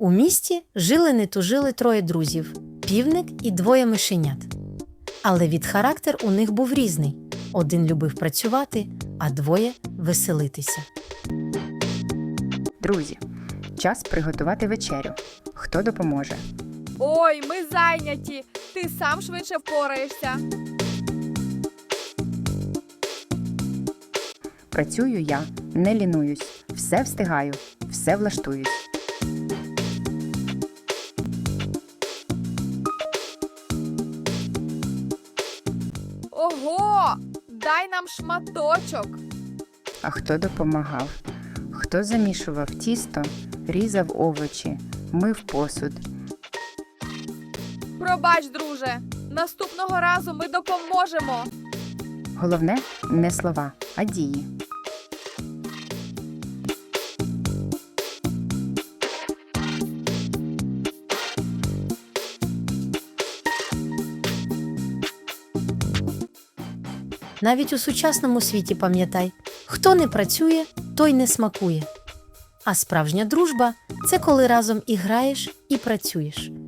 У місті жили не тужили троє друзів – півник і двоє мишенят. Але від характер у них був різний. Один любив працювати, а двоє – веселитися. Друзі, час приготувати вечерю. Хто допоможе? Ой, ми зайняті. Ти сам швидше впораєшся. Працюю я, не лінуюсь, все встигаю, все влаштуюсь. Ого! Дай нам шматочок. А хто допомагав? Хто замішував тісто, різав овочі, мив посуд? Пробач, друже. Наступного разу ми допоможемо. Головне – не слова, а дії. Навіть у сучасному світі пам'ятай, хто не працює, той не смакує. А справжня дружба – це коли разом і граєш, і працюєш.